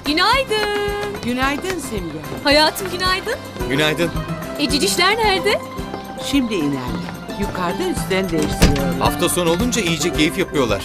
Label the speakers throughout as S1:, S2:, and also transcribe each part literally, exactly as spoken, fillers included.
S1: Günaydın.
S2: Günaydın Simge.
S1: Hayatım günaydın.
S3: Günaydın.
S1: E cicişler nerede?
S2: Şimdi inerler. Yukarıda üstlerini değiştiriyorlar.
S3: Hafta sonu olunca iyice keyif yapıyorlar.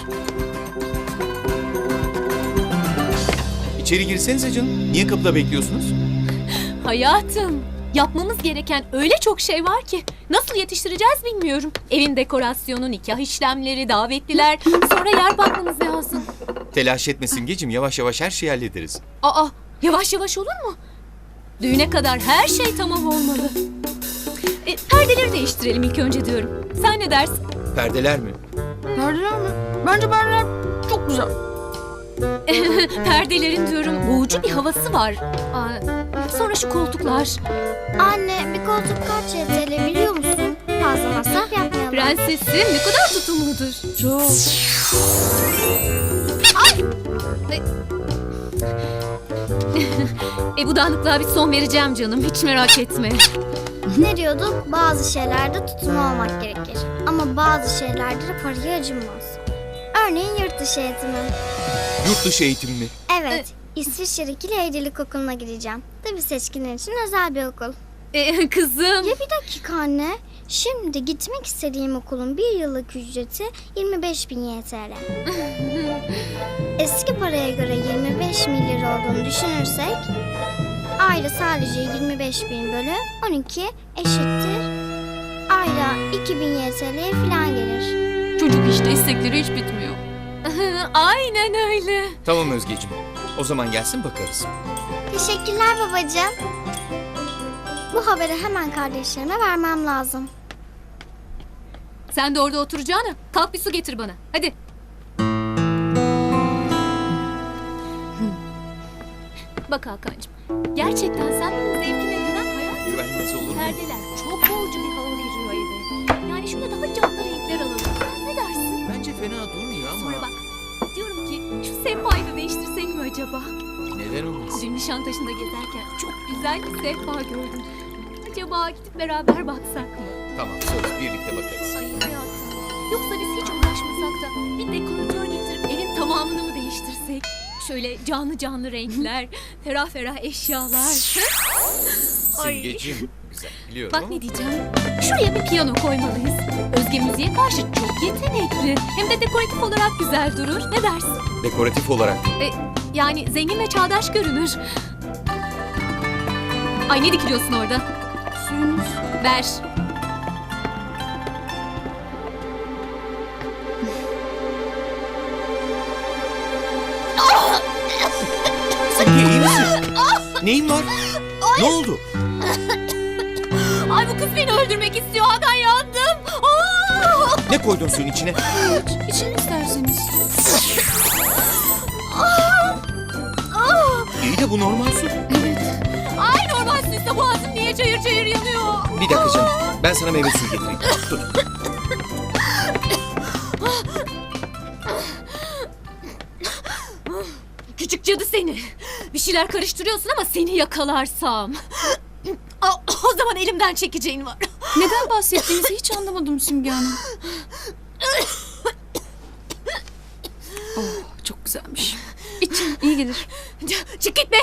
S3: İçeri girsenize canım. Niye kapıda bekliyorsunuz?
S1: Hayatım. Yapmamız gereken öyle çok şey var ki. Nasıl yetiştireceğiz bilmiyorum. Evin dekorasyonu, nikah işlemleri, davetliler. Sonra yer bakmamız lazım.
S3: Telaş etme Simgeciğim. Yavaş yavaş her şeyi hallederiz.
S1: Aa, yavaş yavaş olur mu? Düğüne kadar her şey tamam olmalı. E, perdeleri değiştirelim ilk önce diyorum. Sen ne dersin?
S3: Perdeler mi?
S4: Perdeler mi? Bence perdeler çok güzel.
S1: Perdelerin diyorum boğucu bir havası var. Aa, sonra şu koltuklar.
S5: Anne bir koltuk kaç Y T L biliyor musun? Fazla masraf yapmayalım.
S1: Prensesim ne kadar tutumludur.
S4: Çok.
S1: E bu dağınıklığa bir son vereceğim canım. Hiç merak etme.
S5: Ne diyorduk? Bazı şeylerde tutumlu olmak gerekir. Ama bazı şeylerde de paraya acınmaz. Örneğin yurt dışı eğitimi.
S3: Yurt dışı eğitim mi?
S5: Evet, İsviçre'deki Leydilik Okulu'na gideceğim. Tabii seçkinler için özel bir okul.
S1: E, kızım.
S5: Ya bir dakika anne. Şimdi gitmek istediğim okulun bir yıllık ücreti yirmi beş bin Y T L. Eski paraya göre yirmi beş bin lira olduğunu düşünürsek ayda sadece yirmi beş bin bölü on iki eşittir. Ayda iki bin Y T L'ye falan gelir.
S1: Çocuk işte istekleri hiç bitmiyor. Aynen öyle.
S3: Tamam Özgeciğim. O zaman gelsin bakarız.
S5: Teşekkürler babacığım. Bu haberi hemen kardeşlerime vermem lazım.
S1: Sen de orada oturacağına kalk bir su getir bana. Hadi. Bak Hakan'cığım. Gerçekten sen benim zevkime güven hayal.
S3: Güvenmez olur mu?
S1: Perdeler çok boğucu bir hava veriyor eve. Yani şurada daha canlı renkler alalım. Ne dersin?
S3: Bence fena durmuyor ama.
S1: Sonra bak. Diyorum ki şu sehpayı da değiştirsek mi acaba?
S3: Neden olmaz?
S1: Dün Nişantaşı'nda gezerken çok güzel bir sehpa gördüm. Acaba gidip beraber baksak mı?
S3: Tamam söz birlikte bakarız.
S1: Ay hayatım. Yoksa biz hiç uğraşmasak da bir dekoratör getirip evin tamamını mı değiştirsek? Şöyle canlı canlı renkler, ferah ferah eşyalar. Ay.
S3: Simgeciğim. Güzel biliyorum
S1: Bak
S3: ama.
S1: ne diyeceğim. Şuraya bir piyano koymalıyız. Özge müziğe karşı çok yetenekli. Hem de dekoratif olarak güzel durur. Ne dersin?
S3: Dekoratif olarak.
S1: E, yani zengin ve çağdaş görünür. Ay ne dikiliyorsun orada?
S4: Suyunuz.
S1: Ver.
S3: Simge iyi misin? Neyin var? Ne oldu?
S1: Ay bu kız beni öldürmek istiyor. Hakan yandım. Aa!
S3: Ne koydun suyun içine?
S4: İçin isterseniz.
S3: İyi de bu normal su.
S1: Ay normal süsle boğazım niye çayır çayır yanıyor?
S3: Bir dakika canım. Ben sana meyve suyu getireyim. Dur.
S1: Küçük cadı seni. Bir şeyler karıştırıyorsun ama seni yakalarsam. Aa, o zaman elimden çekeceğin var.
S4: Neden bahsettiğinizi hiç anlamadım Simge Hanım. Oh, çok güzelmiş. İçin iyi gelir.
S1: Çık gitme.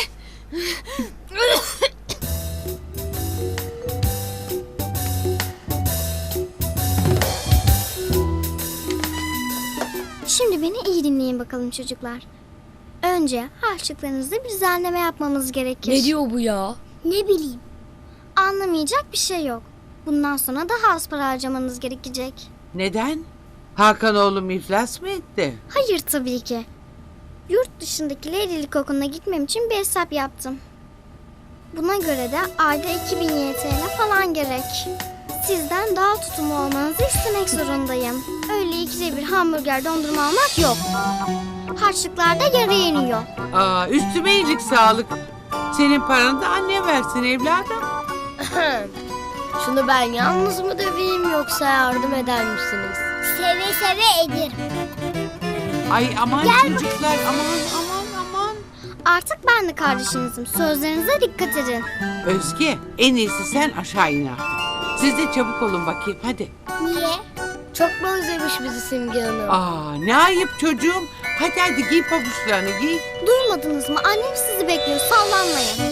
S5: Şimdi beni iyi dinleyin bakalım çocuklar. Önce harçlıklarınızda bir düzenleme yapmamız gerekir.
S4: Ne diyor bu ya?
S5: Ne bileyim. Anlamayacak bir şey yok. Bundan sonra daha az para harcamanız gerekecek.
S2: Neden? Hakan oğlum iflas mı etti?
S5: Hayır tabii ki. Yurt dışındaki Leydilik Okulu'na gitmem için bir hesap yaptım. Buna göre de ayda iki bin Y T L falan gerek. Sizden daha tutumlu olmanızı istemek zorundayım. Öyle ikide bir hamburger dondurma almak yok. Harçlıklar da yarıya iniyor.
S2: Aa, üstüme iyilik sağlık. Senin paranı da anne versin evladım.
S6: Şunu ben yalnız mı döveyim yoksa yardım eder misiniz?
S5: Seve seve ederim.
S2: Ay aman çocuklar aman aman aman.
S5: Artık ben de kardeşinizim. Sözlerinize dikkat edin.
S2: Özge en iyisi sen aşağı in artık. Siz de çabuk olun bakayım hadi.
S5: Niye?
S6: Çok mu özlemiş bizi Simge Hanım?
S2: Aa ne ayıp çocuğum. Hadi hadi giy pabuçlarını giy.
S5: Duymadınız mı? Annem sizi bekliyor. Sallanmayın.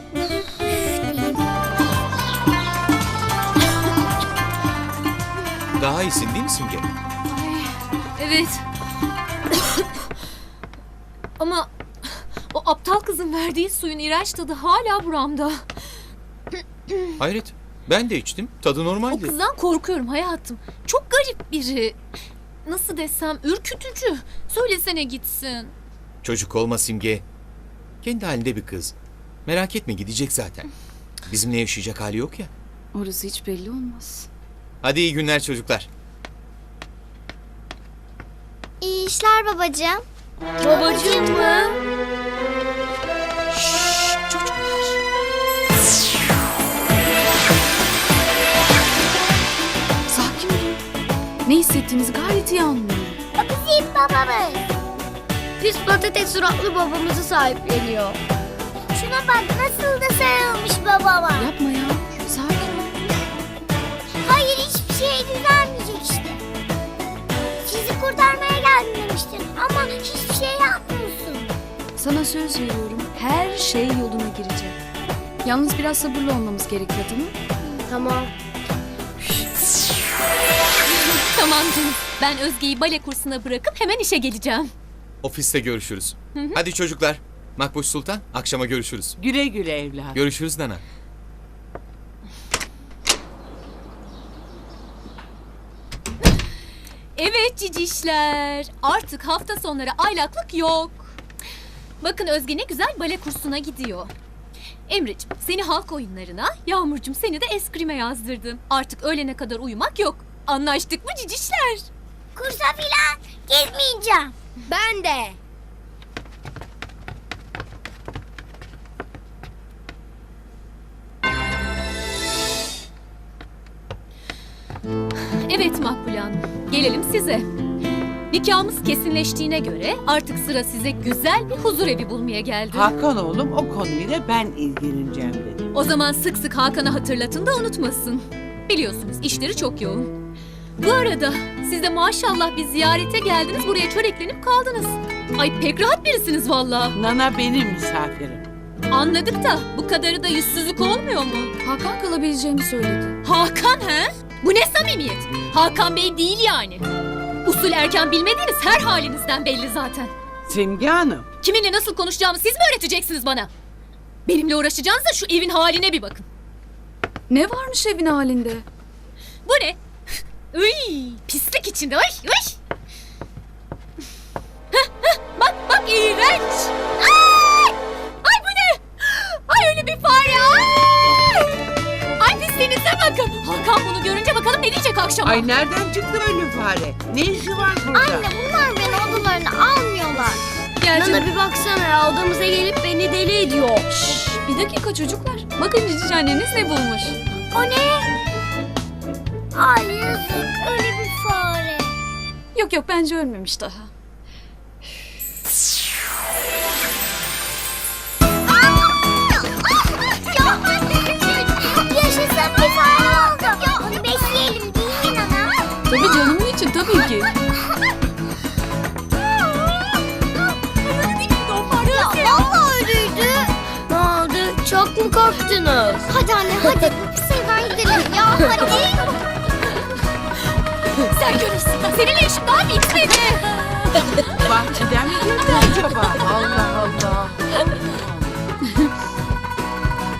S3: Daha iyisin değil mi Simge?
S1: Evet. Ama o aptal kızın verdiği suyun iğrenç tadı hala buramda.
S3: Hayret. Ben de içtim. Tadı
S1: O
S3: normaldi.
S1: kızdan korkuyorum hayatım. Çok garip biri. Nasıl desem ürkütücü. Söylesene gitsin.
S3: Çocuk olma Simge. Kendi halinde bir kız. Merak etme gidecek zaten. Bizimle yaşayacak hali yok ya.
S4: Orası hiç belli olmaz.
S3: Hadi iyi günler çocuklar.
S5: İyi işler babacığım.
S6: Babacığım mı?
S4: Sakin olun. Ne hissettiğinizi gayet iyi anlıyorum.
S5: Bizim babamız.
S6: Pis patates suratlı babamızı sahipleniyor.
S5: Şuna bak nasıl da sarılmış babama.
S4: Yapma ya. Sakin ol.
S5: Hayır hiçbir şey düzelmeyecek işte. Sizi kurtarmaya geldim demiştin ama hiçbir şey yapmıyorsun.
S4: Sana söz veriyorum. Her şey yoluna girecek. Yalnız biraz sabırlı olmamız gerekiyor değil mi?
S6: Tamam.
S1: Tamam canım. Ben Özge'yi bale kursuna bırakıp hemen işe geleceğim.
S3: Ofiste görüşürüz. Hadi çocuklar. Makbuş Sultan akşama görüşürüz.
S2: Güle güle evladım.
S3: Görüşürüz Nana.
S1: Evet cicişler. Artık hafta sonları aylaklık yok. Bakın Özge ne güzel bale kursuna gidiyor. Emre'cim seni halk oyunlarına, Yağmur'cum seni de eskrime yazdırdım. Artık öğlene kadar uyumak yok. Anlaştık mı cicişler?
S5: Kursa filan gitmeyeceğim.
S6: Ben de.
S1: Evet Makbule Hanım, gelelim size. Nikahımız kesinleştiğine göre artık sıra size güzel bir huzur evi bulmaya geldi.
S2: Hakan oğlum o konuyla ben ilgileneceğim dedi.
S1: O zaman sık sık Hakan'a hatırlatın da unutmasın. Biliyorsunuz işleri çok yoğun. Bu arada siz de maşallah bir ziyarete geldiniz, buraya çöreklenip kaldınız. Ay pek rahat birisiniz vallahi.
S2: Nana benim misafirim.
S1: Anladık da bu kadarı da yüzsüzlük olmuyor mu?
S4: Hakan kalabileceğini söyledi.
S1: Hakan he? Bu ne samimiyet? Hakan Bey değil yani. Usul erken bilmediğiniz her halinizden belli zaten.
S2: Simge Hanım.
S1: Kiminle nasıl konuşacağımı siz mi öğreteceksiniz bana? Benimle uğraşacağınıza şu evin haline bir bakın.
S4: Ne varmış evin halinde?
S1: Bu ne? Uy, pislik içinde. Ay, ay. Hah, hah, bak bak iğrenç. Ay, ay bu ne? Ay öyle bir fare. Ay, ay pisliğinize bakın. Hakan bunu görünce bakalım ne diyecek akşama.
S2: Ay nereden çıktı öyle fare? Ne işi var burada?
S5: Anne bunlar beni odalarına almıyorlar.
S1: Gel canım.
S6: Nana bir baksana ya odamıza gelip beni deli ediyor.
S4: Şşş, bir dakika çocuklar. Bakın cici anneniz ne bulmuş.
S5: O ne? Ay yazık öyle bir fare.
S4: Yok yok bence ölmemiş daha.
S5: Yaşasın bir fare oldu. Onu besleyelim değil mi Nana?
S4: Tabii canımın için tabii ki.
S5: Ya vallahi öyleydi.
S6: Ne oldu? Çok mu korktunuz?
S5: Hadi anne hadi bu pis evden gidelim ya hadi.
S1: Sen görürsün. Seninle işim daha bitmedi.
S2: Bahçeden mi geldi acaba?